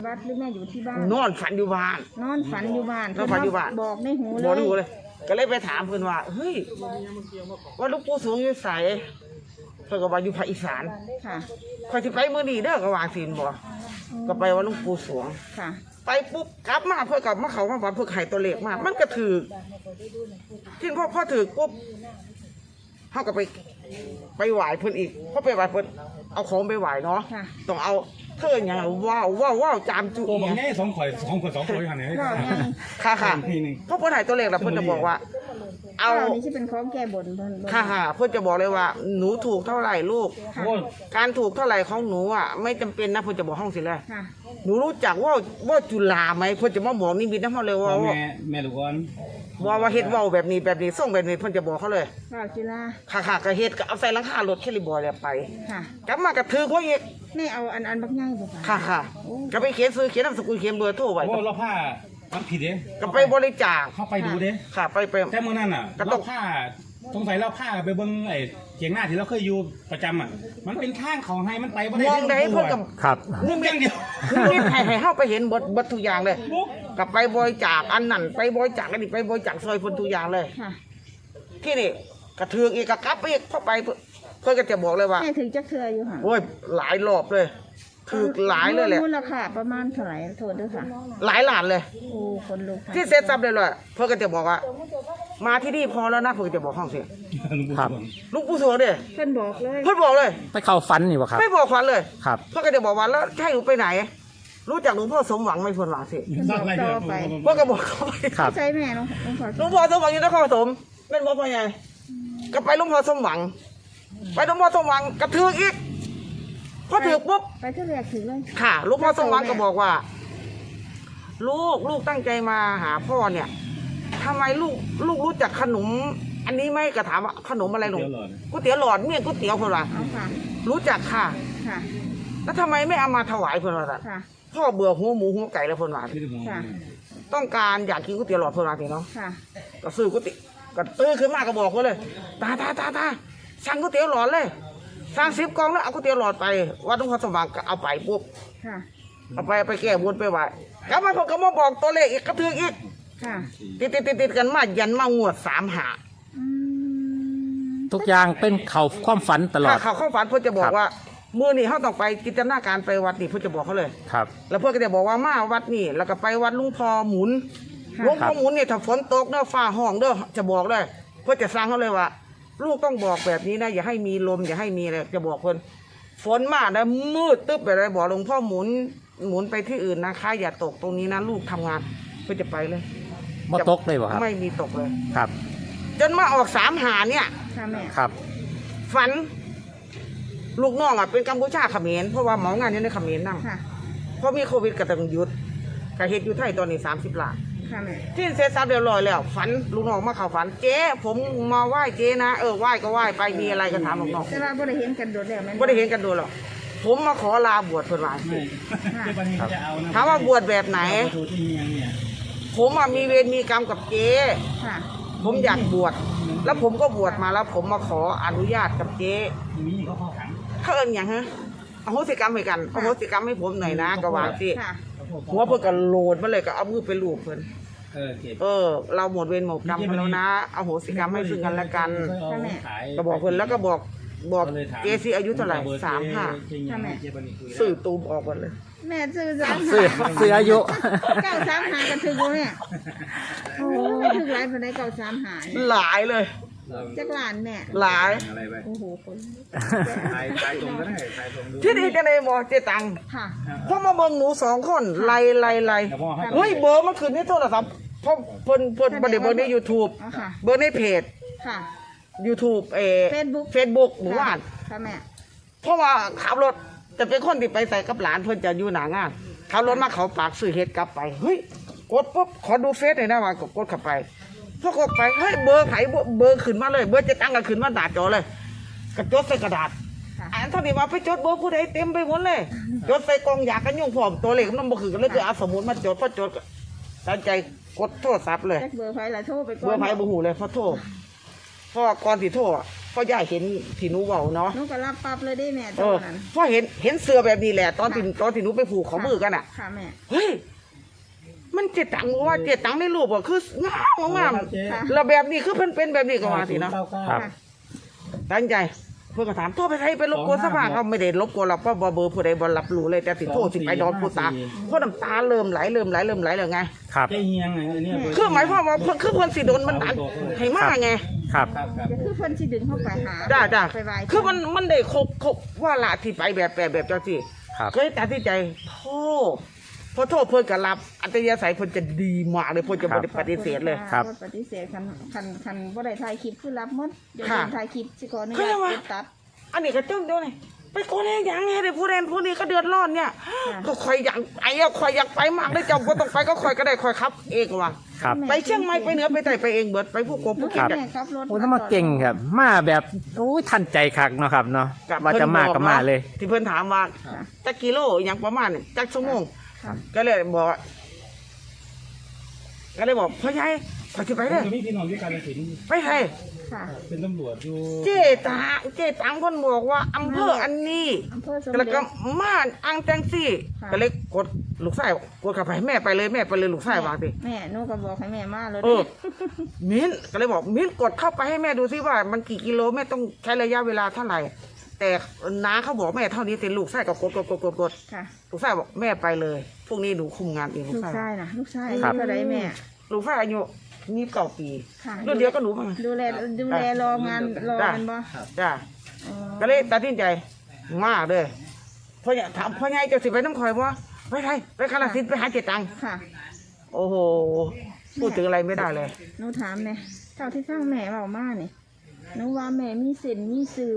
วัดหรือแม่อยู่ที่บ้านนอนฝันอยู่บ้านนอนฝันอยู่บ้านบอกในหูเลยบอกในหูเลยก็เลยไปถามเพื่อนว่าเฮ้ยว่าลูกปู่สวงอยู่ไสเพื่อนก็ว่าอยู่ภาคอีสานค่ะคอยสิไปมื้อนี้เด้อก็วางศีลบ่ก็ไปว่าลูกปู่สวงค่ะไปปุ๊บกลับมาเพื่อกลับมาเขามาวัดเพื่อไข่ตัวเลขมามันก็ถือที่พ่อถือปุ๊บเขาก็ไปไหว้เพื่อนอีกพอไปไหว้เพื่อนเอาของไปไหว้เนาะต้องเอาเธออย่างว้าวจามจุตัวบางแง่สองข่อยอย่างนี้ค่ะเพราะเพื่อนไข่ตัวเลขแล้วเพื่อนจะบอกว่าเอานี่ที่เป็นของแก้บนค่ะเพื่อนจะบอกเลยว่าหนูถูกเท่าไหร่ลูกการถูกเท่าไหร่ของหนูอ่ะไม่จำเป็นนะเพื่อนจะบอกห้องสิเลยหนูรู้จักว่าจุฬาไหมเพื่อนจะมาบอกนิมิตนะเขาเลยว่าแม่ลูกอ่อนว่าเฮ็ดเว้าแบบนี้ส่งแบบนี้เพิ่นจะบอกเขาเลยจุฬาค่ะก็เฮ็ดก็เอาใส่หลังคารถแคลิบอยแล้วไปกลับมากระถือพวกอีกนี่เอาอันบักใหญ่บ่ค่ะก็ไปเขียนซื้อเขียนนามสกุลเขียนเบอร์โทรไว้เราผ้ามันผิดเด้ก็ไปบริจาคเข้าไปดูเด้ค่ะไปแต่เมื่อนั้นน่ะเราผ้าสงสัยเราผ้าไปเบิ่งไอ้เกียงหน้าที่เราเคยอยู่ประจำอ่ะมันเป็นข้างของให้มันไปบ่ได้มองได้เพิ่นกับครับมุมอย่างเดียวนี่ให้เฮาไปเห็นเบิดทุกอย่างเลยก็ไปบริจาคอันนั้นไปบริจาคอันนี้ไปบริจาคซอยเพิ่นทุกอย่างเลยที่นี่กระเทือกอีกกระกลับอีกเข้าไปเพิ่นก็จะบอกเลยว่าถึงจักเทื่ออยู่ค่ะโอ้ยหลายรอบเลยคือหลายเลยแหละมูลค่าประมาณเท่าไหร่โทษด้วยค่ะหลายล้านเลยโอ้คนลุกที่เซ็ตซับเลยเพื่อนก็จะบอกว่ามาที่นี่พอแล้วนะเพื่อนจะบอกห้องเสียครับลุงปู่สวงเด้เพื่อนบอกเลยไปเข้าฝันนี่วะครับไม่บอกฝันเลยครับเพื่อนก็จะบอกว่าแล้วให้หนูไปไหนรู้จักหลวงพ่อสมหวังไหมเพื่อนหวังสิเพื่อนก็บอกเขาไปใช่แม่หลวงพ่อสมหวังอยู่นครปฐมเป็นบอกพ่อใหญ่ก็ไปหลวงพ่อสมหวังไปหลวงพ่อสมหวังกระทืออีกพอถือปุ๊บไปที่แรกถือเลยค่ะลูกพ่อสมหวังก็บอกว่าลูกตั้งใจมาหาพ่อเนี่ยทำไมลูกรู้จักขนมอันนี้ไหมก็ถามว่าขนมอะไรหนูก๋วยเตี๋ยวหลอดเมี่ยงก๋วยเตี๋ยวคนละรู้จักค่ะแล้วทำไมไม่เอามาถวายเพื่อนว่าพ่อเบื่อหัวหมูหัวไก่แล้วเพื่อนว่าต้องการอยากกินก๋วยเตี๋ยวหลอดเพื่อนว่าทีเนาะก็ซื้อก๋วยเตี๋ยวก็ตื้อขึ้นมาก็บอกเขาเลยตาสั่งก๋วยเตี๋ยวหลอดเลยสร้าง10 กล่องแล้วเอาก๋วยเตี๋ยวหลอดไปวัดหลวงพ่อสมหวังก็เอาไปปุ๊บเอาไปแก้บนไปไหว้กลับมาผมก็มาบอกตัวเลขอีกกระทืออีกติดกันมายันมางวด3 หาทุกอย่างเป็นเขาความฝันตลอดเขาความฝันเพื่อจะบอกว่ามื้อนี้เขาต้องไปจินตนาการไปวัดนี่เพื่อจะบอกเขาเลยครับแล้วเพื่อก็จะบอกว่ามาวัดนี่แล้วก็ไปวัดลุงพ่อหมุนเนี่ยถ้าฝนตกเด้อฟ้าห้องเด้อจะบอกเลยเพื่อจะสร้างเขาเลยว่าลูกต้องบอกแบบนี้นะอย่าให้มีลมอย่าให้มีอะไรจะบอกคนฝนมาแล้วมืดตึ๊บไปเลยบอกหลวงพ่อหมุนไปที่อื่นนะคะอย่าตกตรงนี้นะลูกทำงานเพื่อจะไปเลยไม่ตกเลยเหรอครับไม่มีตกเลยครับจนมาออก3 หาเนี่ยครับฝันลูกน้องเป็นกัมพูชาเขมรเพราะว่าหมองานอยู่ในเขมรนั่งเพราะมีโควิดก็ต้องหยุดกระเฮ็ดอยู่ไทยตอนนี้30 ล้านที่เสร็จสับเรียบร้อยแล้วฝันลูกน้องมาเข้าฝันเจ๊ผมมาไหว้เจ๊นะไหว้ก็ไหว้ไปมีอะไรก็ถามลูกน้องแต่ว่าไม่ได้เห็นกันโดดแล้วไม่ได้เห็นกันโดดหรอกผมมาขอลาบวชเพื่อนว่าถามว่าบวชแบบไหนผมมีเวรมีกรรมกับเจ๊ผมอยากบวชแล้วผมก็บวชมาแล้วผมมาขออนุญาตกับเจ๊เขาเอิ้นอย่างฮะอโหสิกรรมให้กันอโหสิกรรมให้ผมหน่อยนะก็ว่าสิหัวเพื่อนก็โหลดมาเลยก็เอามือไปลูบเพื่อนเราหมดเวรหมดกรรมแล้วนะอโหสิกรรมให้ซึ่งกันและกันก็บอกเพื่อนแล้วก็บอกเจซีอายุเท่าไหร่35สื่อตูมออกหมดเลยแม่ซื้อสื่ออายุ 935กันถึงเนี่ยโอ้ถึงหลายคนได้935 หลายเลยจักหลานแม่หลายโอ้โหคนถ่ายตรงก็ได้ถ่ายตรงดูที่นี่จะได้บอกเจตังค่ะเพราะมาเบิ่งหนู2 คนไล่เฮ้ยเบอร์มันขึ้นในโทรศัพท์เพราะเพิ่นบ่ได้เบอร์ใน YouTube เบอร์ในเพจค่ะ YouTube Facebook หมู่บ้านค่ะแม่เพราะว่าขับรถจะเป็นคนที่ไปใส่กับหลานเพิ่นจะอยู่หน้างานขับรถมาเขาปากซื้อเฮ็ดกลับไปเฮ้ยกดปุ๊บขอดูเฟซหน่อยนะว่ากดเข้าไปพอกดไปเฮ้ยเบอร์ไผเบอร์ขึ้นมาเลยเบอร์จะตั้งก็ขึ้นมาหน้าจอเลยกระจดใส่กระดาษอันเท่านี้มาไปจดเบอร์ผู้ใดเต็มไปหมดเลยจดใส่กล่องยากันยุงพร้อมตัวเลขมันบ่คือกันเลยจะเอาสมุดมาจดพอจดตั้งใจกดโทรศัพท์เลยเบอร์ไผล่ะโทรไปก่อนเบอร์ไผบ่ฮู้เลยพอโทรเพราะก่อนสิโทรพ่อย่าเห็นที่หนูเว้าเนาะหนูก็รับปั๊บเลยได้แม่ตเอออนนั้นพ่อเห็นเสือแบบนี้แหละตอนที่หนูไปผูกข้อมือกันอ่ะค่ะแม่เฮ้ยมันเจ็ดตังค์ว่าเจ็ดตังค์ในรูปอะคืองามงามค่ะแล้วแบบนี้คือเพิ่นเป็นแบบนี้ก็ว่าสิเนาะครับค่ะตั้งใจเพื่อนก็ถามโทษไปไทยไปรบกวนสภาเขาไม่ได้รบกวนเราเพราะเบอร์ผู้ใดบ่รับรู้เลยแต่ติดโทษสิไปนอนผู้ตาเพราะน้ำตาเริ่มไหลเลยไงครับเฮียงไงเนี่ยคือหมายความว่าเพิ่นคือเพิ่นสิโดนมันดันให้มาไงครับก็คือเพิ่นสิดึงเข้าไปหาจ้าไปไหว้คือมันได้ครบว่าละที่ไปแบบเจ้าที่ครับเคยตัดสินใจโทษพอโทษเพิ่นก็รับอัตยาศัยเพิ่นจะดีมากเลยเพิ่นจะบ่ได้ปฏิเสธเลยครับปฏิเสธคันบ่ได้ถ่ายคลิปคือรับหมดเดี๋ยวค่ะถ่ายคลิปสิขออนุคือญาตว่ากดตัดอันนี้ก็จ้องเดียวนี่ไปโกนอย่างไงเดี๋ยวผู้ใดผู้นี้ก็เดือดร้อนเนี่ยค่ะก็คอยอยากไปอะคอยอยากไปมากเลยเจ้าบ่ต้องไปก็คอยก็ได้คอยครับเองว่ะครับไปเชียงใหม่ไปเหนือไปใต้ไปเองเบิดไปผู้กบหนูผู้เห็กินนแม่ขับรถโอ้ถ้ามาเก่งครับ มาแบบโอ้ยทันใจคักเนาะครับเนาะกับว่าจะมาก็มาเลยที่เพิ่นถามว่าจักกิโลอหย่างประมาณนี่จักชั่วโมงค่ะก็เลยบอกว่าพ่อใหญ่ขอสิไปเด้อมีพี่น้องด้วยกันสินไปไทยค่ะเป็นตำรวจอยู่เจ๊ตังเพิ่นบอกว่าอำเภออันนี้อำเภอสมแล้วเด็ก็จม่านอังแตงซี่ค่ะก็เลยกดลูกชายกดเข้าไปแม่ไปเลยลูกชายวางสิแม่หนูก็บอกให้แม่มาเลยเออ มิ้นก็เลยบอกมิ้นกดเข้าไปให้แม่ดูซิว่ามันกี่กิโลแม่ต้องใช้ระยะเวลาเท่าไหร่แต่น้าเขาบอกแม่เท่านี้เสร็จลูกชายก็กดค่ะลูกชายบอกแม่ไปเลยพรุ่งนี้หนูคุมงานเองลูลูกกชายชายนะลูกชายครับเท่าไรแม่ลูกชายอายุมี9 ปีค่ะรุ่นเดียวก็หนูมาดูแลรองานรอกันบ่จ้าอ๋อก็เลยตัดสินใจมากเลยพ่อใหญ่ถามพ่อใหญ่จะสิไปน้ำคอยบ่ไปไทยไปกาฬสินธุ์ไปหาเจตังค์ค่ะโอ้โหพูดถึงอะไรไม่ได้เลยหนูถามเนี่ยเท่าที่ฟังแม่เบามาเนี่ยหนูว่าแม่มีเส้นมีสื่อ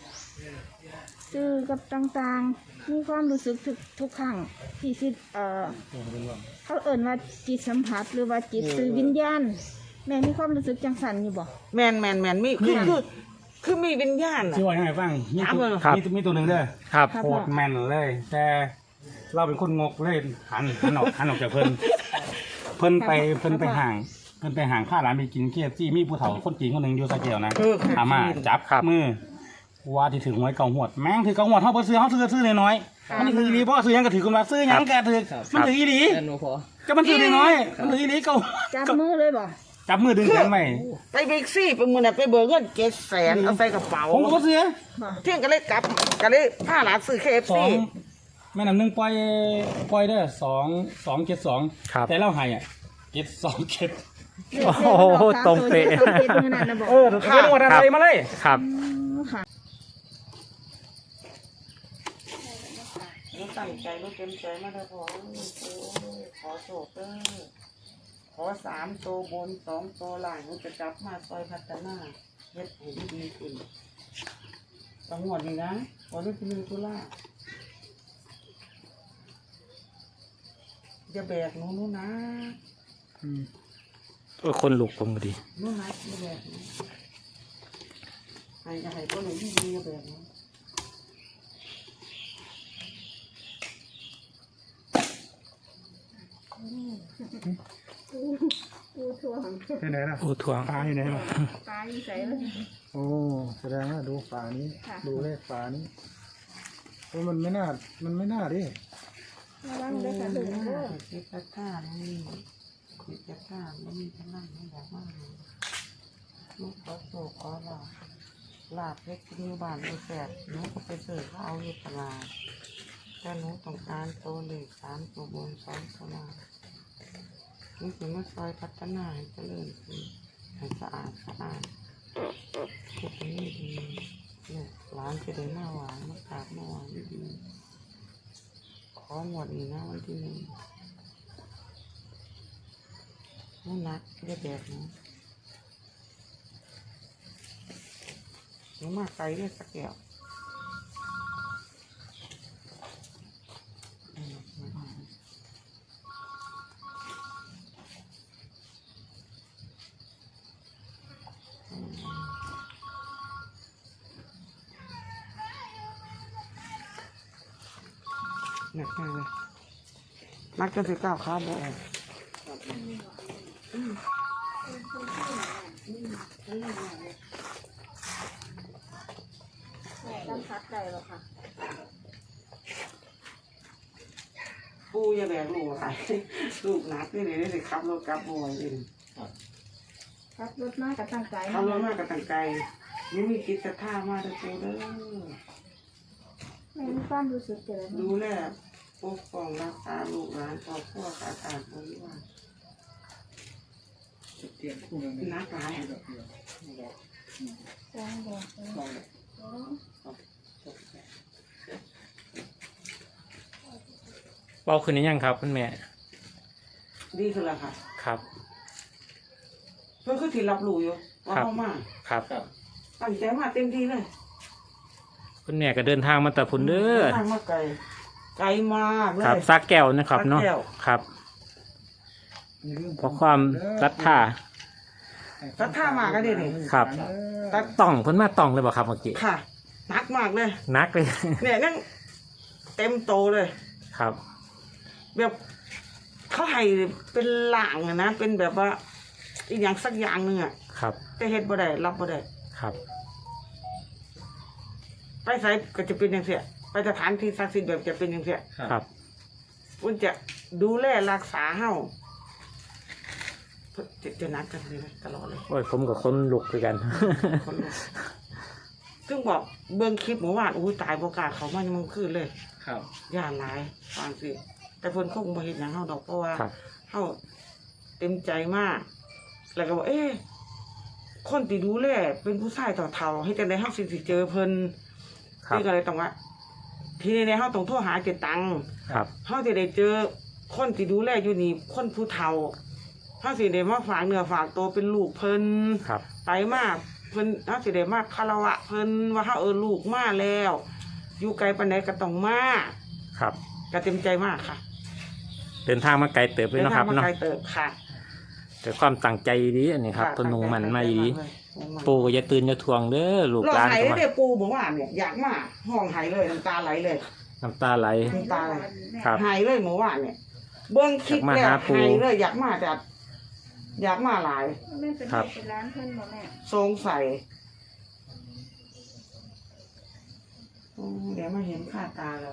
กับต่างๆ มีความรู้สึกทุกครั้งที่สิเขาเอ่นว่าจิตสัมผัสหรือว่าจิตสื่อวิญญาณ แม่มีความรู้สึกจังสันอยู่บ่แมนมีคือมีวิญญาณน่ะช่วยให้ฟังมีตัวครับมีตัวหนึ่งเด้อครับโคตรแม่นเลย แต่เราเป็นคนงกเลยหันออกจากเพิ่นเพิ่นไปห่างข้าร้านไปกินเกี๊ยวจี้มีผู้เฒ่าคนจีนคนหนึ่งอยู่สะเกียวนะ อามาจับครับมือว่าที่ถือหวยเก่าหวดแม่งถือเก่าหวดเขาบ่ซื้อเขาซื้อน้อยๆมันนี่ถืออีหลีเพราะว่าซื้อหยังก็ถือคนมาซื้อหยังแกถือมันถืออีหลีก็มันถือน้อยๆมันถืออีหลีเก่าจับมือเลยบ่จับมือดึงกันไว้ไปบิ๊กซี่ไปมือน่ะไปเบิกเงิน700,000เอาใส่กระเป๋าผมก็บ่ซื้อบ่เที่ยงก็เลยกลับก็เลยพาหลานซื้อส KFC องแม่น้ำหนึ่งปล่อยเด้อ272 ครับแต่เราให้อ่ะ727 โอ้โหตรงเป๊ะตรงเป๊ะมือนั่นนะบอกเป็นหมดอะไรมาเลยครับค่ะตั้งใจรู้เต็มใจมาได้ขอโชคเด้อขอ3ตัวบน2ตัวล่างหนูจะจับมาซอยพัฒนาเฮ็ดให้ดีขึ้นต้องหมดนี่นะวันนี้คือ1 ตุลาจะแบกหนูนะโอ้ยคนลุกผมก็ดีหนูนะจะแบกหนูให้ตัวหนูดีๆจะแบกหนูปูถ่วงที่ไหนล่ะโอ้ทวงปลาอยู่ไหนล่ะปลาอยู่ใส่เลยโอ้แสดงว่าดูฝานี้ค่ะดูเลขฝานี้โอ้มันไม่น่าดิระวังเด้อค่ะถึงเด้อคิดจะฆ่านี่คิดจะฆ่าไม่มีพลังไม่บอกว่าลูกขอโศกขอลาบเล็กที่อยู่บ้านอยู่แสบหนูก็ไปซื้อเขาเอาอยู่ตลาดแต่หนูต้องการตัวเลข3ตัวบน2ตัวล่างนี่คือมาซอยพัฒนาให้เจริญขึ้นให้สะอาดทุกนี้ดีเนี่ยร้านจะได้หน้าหวานมากราบหน้าหวานดีขอหมดนี่นะวันที่1นู่นนักได้แบบนี้หนูมาไกลได้สักแก้วหนักมากเลยนักจนถึง9 ขาบ่ออกสัมผัสได้บ่ค่ะปูอย่าแบกลูกอะไรลูกหนักนี่เลยได้สิขับรถกลับบ่อยเลยครับรถมากับตั้งใจขับรถมากับตั้งใจนี่มีกิจท่ามากเลยปูเด้อแม่มีความรู้สึกเจอดูแลปกป้องรักษาลูกหลานครอบครัวขาดบริวารนักหลายแจ้งบอกเบาขึ้นหรือยังครับคุณแม่ดีขึ้นแล้วค่ะครับเพื่อนคือที่รับรู้อยู่ว่าเข้ามาครับตั้งใจมาเต็มที่เลยคุณแม่ก็เดินทางมาแต่พุ่นเด้อทางมาไกลไกลมากเลยครับซากแก้วนะครับเนาะสาแก้วครับเพราะความรัดท่ารัดท่ามากก็ได้เลยครับตัดต้องเพิ่นมาต้องเลยบ่ครับเมื่อกี้ค่ะนักมากเลยนักเลยเนี่ยนั่งเต็มโตเลยครับแบบเขาให้เป็นหลางอะนะเป็นแบบว่าอีกอย่างสักอย่างหนึ่งอะครับแต่เฮ็ดบ่ได้รับบ่ได้ครับไปไสก็จะเป็นอย่างเสียไปสถานที่ศักดิ์สิทธิ์แบบจะเป็นอย่างเสียครับคุณจะดูแลรักษาเฮาจะนัดกันเลยนะตลอดเลยโอ้ยผมกับคนลุกด้วยกันคนลุกซึ่งบอกเบิ่งคลิปเมื่อวานตายบ่กล้าเขามายังมึงคืนเลยครับย่านหลายฟังสิแต่เพิ่นคงบ่เฮ็ดหยังเฮาดอกเพราะว่าครับเฮาเต็มใจมาก แล้วก็บอกคนที่ดูแลเป็นผู้ชายต่อเฒ่าให้จังได๋เฮาสิเจอเพิ่นครับนี่ก็เลยต้องว่าทีนี้เฮาต้องโทรหาเจตังครับเฮาสิได้เจอคนที่ดูแลอยู่นี่คนผู้เฒ่าเฮาสิได้มาฝากเนื้อฝากตัวเป็นลูกเพิ่นครับไปมาเพิ่นเฮาสิได้มาคารวะเพิ่นว่าเฮาลูกมาแล้ว อยู่ไกลปานใดก็ต้องมาครับก็เต็มใจมากค่ะเดินทางมาไกลเติบเลยเดินเนาะคทารังบมาเนาะไกลเติบค่ะแต่ความตั้งใจดีอันนี้ครับค่ะเพนนุ่งมันมาดีตั้งใจมากเลยปูก็อย่าตื่นอย่าทวงเด้อลูกร้องหลานไห้ก็เลยมาเด้อปูบอกว่าเนี่ยอยากมาห้องไห้เลยน้ำตาไหลเลยน้ำตาไหลน้ำตาไหลครับไห้เลยเมื่อวานเนี่ยเบิ่งคลิปอยากมาแล้วหาปู่ไห้เลยอยากมาแต่อยากมาหลายแม่เป็นครับเป็นร้านเพิ่นบ่แม่สงสัยเดี๋ยวมาเห็นค่าตาแล้ว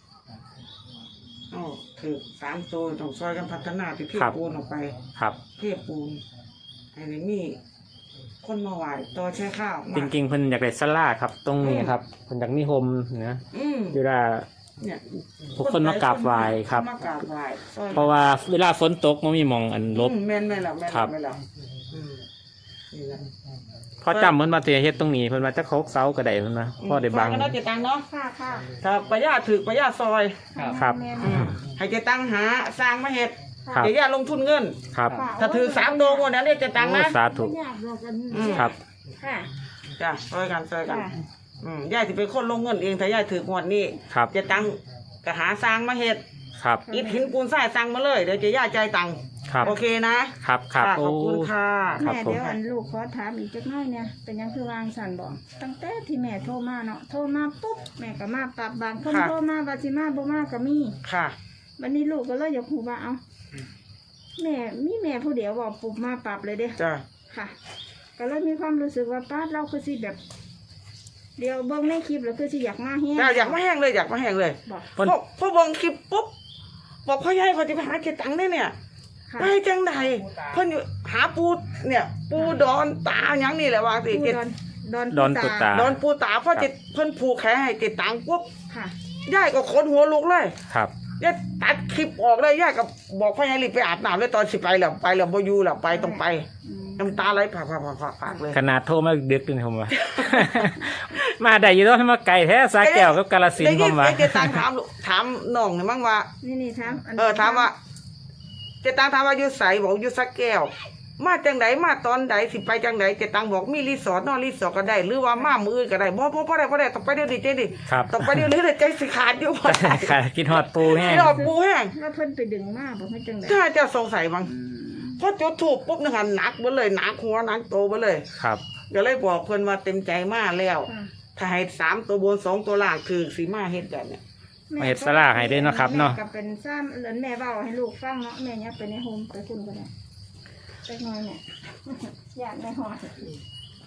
ถือ3 ตัวต้องซอยกันพัฒนาที่เทปูนออกไปครับเทปูนไอ้นี่มีคนมาไหวต่อใช้ข้าวมาจริงๆเพิ่นอยากได้สลาครับ ตรงนี้ครับเพิ่นอยากมีโฮมนะ เวลาเนี่ยผู้คนมากราบไหว้ครับมากราบไหว้ซอยเพราะว่าเวลาฝนตกมันมีหมองอันลบแม่นแล้วแม่นครับแล้วนี่แหละพอจำเพิ่นมาเตียเฮ็ดตรงนี้เพิ่นว่าจะโคกเสาก็ได้เพิ่นว่าพอได้บังซอยกันเนาะเจตังเนาะค่ะค่ะครับประหยัดถือประหยัดซอยครับแม่ให้เจตังหาสร้างมาเฮ็ดครับเดี๋ยวอย่าลงทุนเงินครับถ้าถือ3 โดงวันนั้นเนี่ยเจตังโอ้นะสาธุอยากบอกกันครับค่ะจ้ะซอยกันค่ะยายสิเป็นคนลงเงินเองถ้ายายถืองวดนี้ครับเจตังก็หาสร้างมาเฮ็ดครับอิฐหินปูนทรายสั่งมาเลยเดี๋ยวจะย่าใจายตังค์ครับโอเคนะครับครับขอบคุณค่ะครับแม่ผมเดี๋ยวอันลูกขอถามอีกจักหน่อยเนี่ยเป็นหยังคือวางสันบอกตั้งแต่ที่แม่โทรมาเนาะโทรมาปุ๊บแม่ก็มาปรับบางคนโทรมาบาสิมาบ่มาก็มีค่ะวันนี้ลูกก็เลยอยากหูว่าเอาแม่มีแม่ผู้เดียวบอกปุ๊บมาปรับเลยเด้จ้ะค่ะ ก็เลยมีความรู้สึกว่าป้าเราคือสิแบบ เดี๋ยวเบิ่งในคลิปแล้วคือสิอยากมาแห้งจ้ะอยากมาแห้งเลยอยากมาแห้งเลยบอกเพิ่นพอเบิ่งคลิปปุ๊บบอกพ่อใหญ่เขาจะไปหาเก็บตังค์ได้เนี่ยค่ะไปจังใดเพิ่นอยู่หาปูเนี่ยปูดอนตาหยังนี่แหละว่าสิปูเก็บดอนปูตาดอนปูตาเพราะเจ็ดเพิ่นผูกแขนให้เก็บตังค์ปุ๊บค่ะยายก็ขนหัวลุกเลยครับยายตัดคลิปออกเลยยายก็บอกพ่อใหญ่รีบไปอาบน้ำเลยตอนสิไปแล้วบ่อยู่แล้วไปต้องไปอืมน้ำตาไหลผากเลยขนาดโทรมาดึกๆนี่ผมว่า มาได้อยู่แล้วมาไกลแท้สาแก้วกับกาฬสินธุ์ผมว่าเจตังถามน้องเนี่ยมั้งว่านี่ถามถามว่า เจตังถามว่าอยู่ใสบอกอยู่สักแก้ว มาจังไดมาตอนใดสิไปจังไดเจตังบอกมีรีสอร์ทนอนรีสอร์ทก็ได้ หรือว่ามามืออื่นก็ได้บ่ได้ต้องไปเดี๋ยวนี้เจดิครับต้องไปเดี๋ยวนี้เลยใจสิขาดอยู่บ่ได้ค่ะกินฮอดปูแห้งที่เราปูแห้งว่าเพิ่นไปดึงมาบอกให้จังไดถ้าจะสงสัยมั้งพอจุดถูกปุ๊บนึงหันหนักเบ่เลยหนักหัวหนักโตเบ่เลยครับก็เลยบอกเพิ่นว่าเต็มใจมาแล้วค่ะถ้าให้3 ตัวบน2 ตัวล่างคือสิมาเฮ็ดแบบเนี้ยมาเฮ็ดสลากให้ด้วยเนาะครับเนาะแม่ก็เป็นซ้ำเหลือนแม่เว้าให้ลูกฟังเนาะแม่เนี่ยไปในโฮมไปคุณก็ได้ไปหน่อยเนี่ย อยากในหอด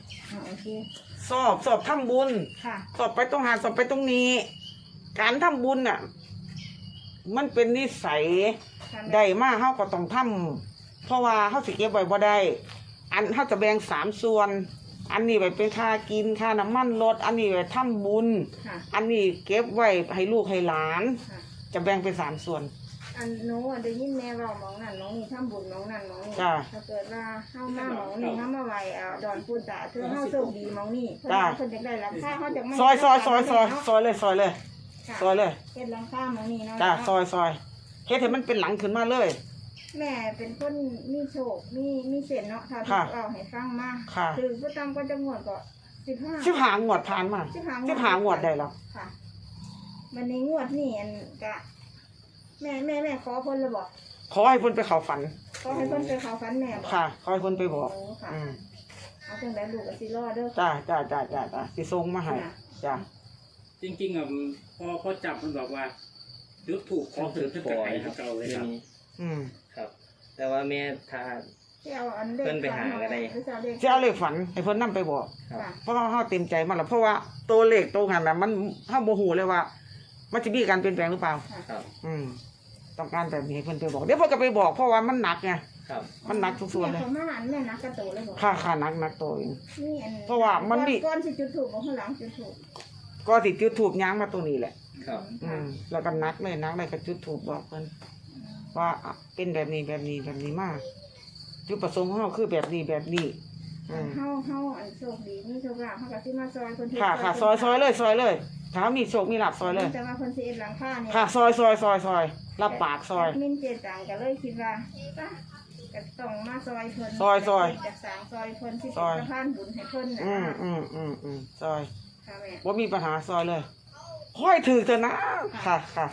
โอเคสอบทำบุญค่ะสอบไปตรงหาสอบไปตรงนี้ การทำบุญน่ะ มันเป็นนิสัยค่ะได้มากเฮาก็ต้องทำเพราะว่าเฮาสิเก็บไว้บ่ได้ อันเฮาจะแบ่ง3 ส่วน อันนี้ไว้เป็นค่ากินค่าน้ำมันรถอันนี้ไว้ทำบุญค่ะอันนี้เก็บไว้ให้ลูกให้หลานค่ะจะแบ่งเป็น3 ส่วนอันหนูได้ยินแม่เว้าหมองนั่นหมองนี่ทำบุญหมองนั่นหมองนี่จ้ะถ้าเกิดว่าเฮามาหมองนี่เฮามาไหว้ดอนปูตาคือเฮาโชคดีหมองนี่เพิ่นจ้ะเพิ่นจะได้หลังคาเฮาจะไม่ซอยเลยซอยเลยค่ะซอยเลยเฮ็ดหลังคาหมองนี่เนาะจ้าซอยเฮ็ดให้มันเป็นหลังขึ้นมาเลยแม่เป็นคนมีโชคมีเส้นเนาะถ้าค่ะที่เอาให้ฟังมาค่ะคือบ่ตามก็จะงวดก็15 15 งวดผ่านมา 15 งวดได้แล้วค่ะวันนี้งวดนี่อันกะแม่ขอเพิ่นเลยบอกขอให้เพิ่นไปเข้าฝันขอให้เพิ่นไปเข้าฝันแม่บอกค่ะขอให้เพิ่นไปบอกโอ้ค่ะอืมเอาจังไดลูกก็สิรอเด้อจ้าสิส่งมาให้จ้าจริงๆอ่ะพอจับมันบอกว่าจุดถูกขอถือขึ้นกับไอ้เก่าเลยครับอืมครับ แต่ว่าแม่ถ้าสิเอาอันเลขเพิ่นไปหาก็ได้หรือจะเอาเลขสิเอาเลขฝันให้เพิ่นนํไปบอกค่ะเพราะว่าเฮาเต็มใจมาแล้วเพราะว่าตัวเลขตัวหันน่ะมันเฮาบ่ฮู้เลยว่า มันจะมีการเปลี่ยนแปลงหรือเปล่าครับอืมต้องการแบบนี้ให้เพิ่นไปบอกเดี๋ยวเพิ่นก็ไปบอกเพราะว่ามันหนักไงครับมันหนักทุกส่วนเลยแม่เขามาอันแม่นักกระโตเลยบอกค่าหนักตัวเองนี่อันเพราะว่ามันมีก้อนสิจุดถูกบอกข้างหลังจุดถูกก็สิจุดทูบย้างมาตรงนี้แหละครับแล้วก็นักเลยก็จุดถูกบอกเพิ่นว่าเป็นแบบนี้มากจุดประสงค์ของเราคือแบบนี้อืมเฮาอันโชคดีมีโชคลาภเฮาก็สิมาซอยคนที่ค่ะซอยเลยถ้ามีโชคมีลาภซอยเลยแต่ว่าคนสิเอ็ดหลังคาเนี่ยค่ะซอยรับปากซอยมินเจตังก็เลยคิดว่าป่ะก็ต้องมาซอยเพิ่นซอยจะสร้างซอยเพิ่นที่ซเป็นอยสะพานบุญให้เพิ่นนะอืมซอยค่ะแม่ว่ามีปัญหาซอยเลยค่อยถือเถอะนะค่ะ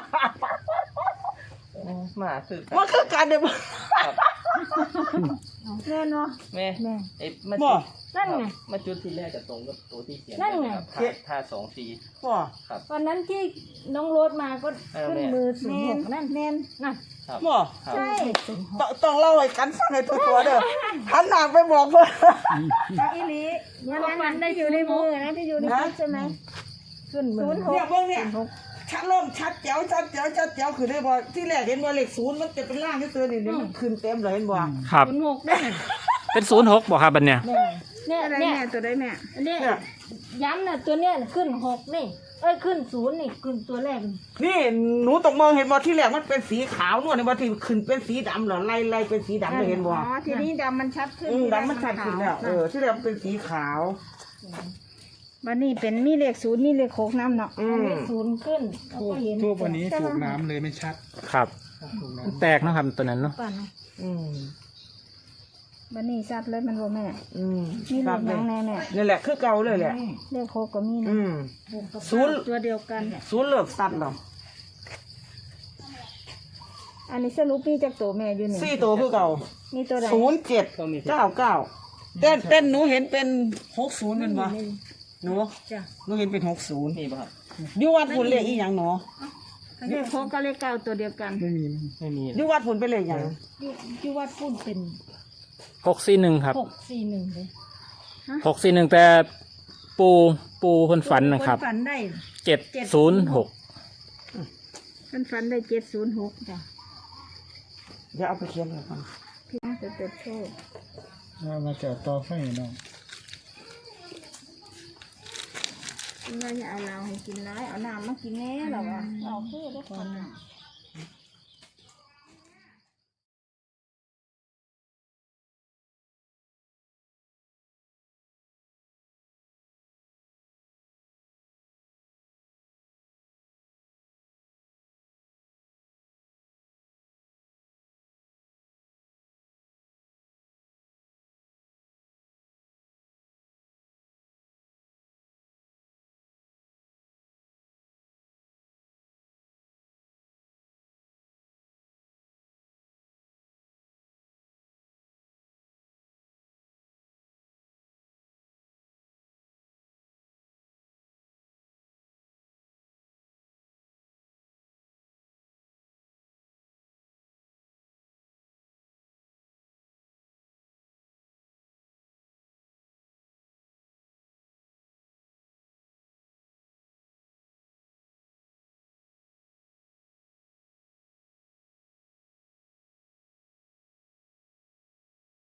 มาคือว่าคือการเดินแม่เนาะแม่แม่ไอ้มาบ่จุดนั่นไงมาจุดที่แรกกับตรงกับตัวที่เขียนนั่นไงครับท่า2 4 ว่าวันนั้นที่น้องโรดมาก็ขึ้นมืมืออสูงหกนั่นแม่นนั่นครับว่าครับใช่ต้องเล่าให้กันฟังให้ตัวเด้อหันหน้าไปบอกเพิ่นเอาอีหลีวันนั้นได้อยู่ในมือนะที่อยู่ในมือใช่ไหมขึ้นมือเนี่ยเบิ่งเนี่ยชัดชัดแจ๋วคือได้บ่ที่แรกเห็นบ่เลข0มันจะเป็นล่างที่เสือนี่มันขึ้นเต็มเลยเห็นบ่ครับ 06ได้เป็น06บอกครับบัดเนี่ยเนี่ยแม่ตัวได้แม่เนี่ยเนี่ยย้ำน่ะตัวเนี้ยขึ้น6นี่เอ้ยขึ้น0นี่ขึ้นตัวแรกนี่หนูตกมองเห็นบ่ที่แรกมันเป็นสีขาวนวลนี่บ่ที่ขึ้นเป็นสีดำเหรอไล่เป็นสีดำเลยเห็นบ่อ๋อทีนี้ดำมันชัดขึ้นดำมันชัดขึ้นแล้วที่แรกมันเป็นสีขาววันนี้เป็นมีเลข0มีเลข6น้ำเนาะมี0ขึ้นเราก็เห็นทูบวันนี้ถูกน้ำเลยไม่ชัดครับถูกน้แตกเนาะครับตัวนั้นเนาะป่ะเนาะวันนี้ชัดเลยมันบ่แม่มีเลครับขหยังแน่แม่นี่แหละคือเก่าเลยแหละเลข6ก็มีนะศูนย์ตัวเดียวกันศูนย์เลิกตัดหรออันนี้สรุปมีจากตัวแม่อยู่นี่ 4ตัวคือเก่ามีตัวใด 0799เต้นหนูเห็นเป็น60เป็นบ่หนูหนูเห็นเป็น60 นี่ป่ะครับอยู่วัดพุ่นเลขอีหยังหนูเลข6กับเลข9ตัวเดียวกันำไม่มีไม่มีอยู่วัดพุ่นเป็นเลขหยังที่วัดพูดเป็น 641ครับ 641เลย 641แต่ปูเพิ่นฝันนะครับฝันได้ 706 มันฝันได้706จ้ะเดี๋ยวเอาไปเขียนเลยก่อนพี่น้องจะเติบโตมาจากต่อไฟเนาะว่าอย่าเอาเราให้กินร้ายเอาน้ำมากินแน่หรอวะเอาเพื่อได้คนน่ะ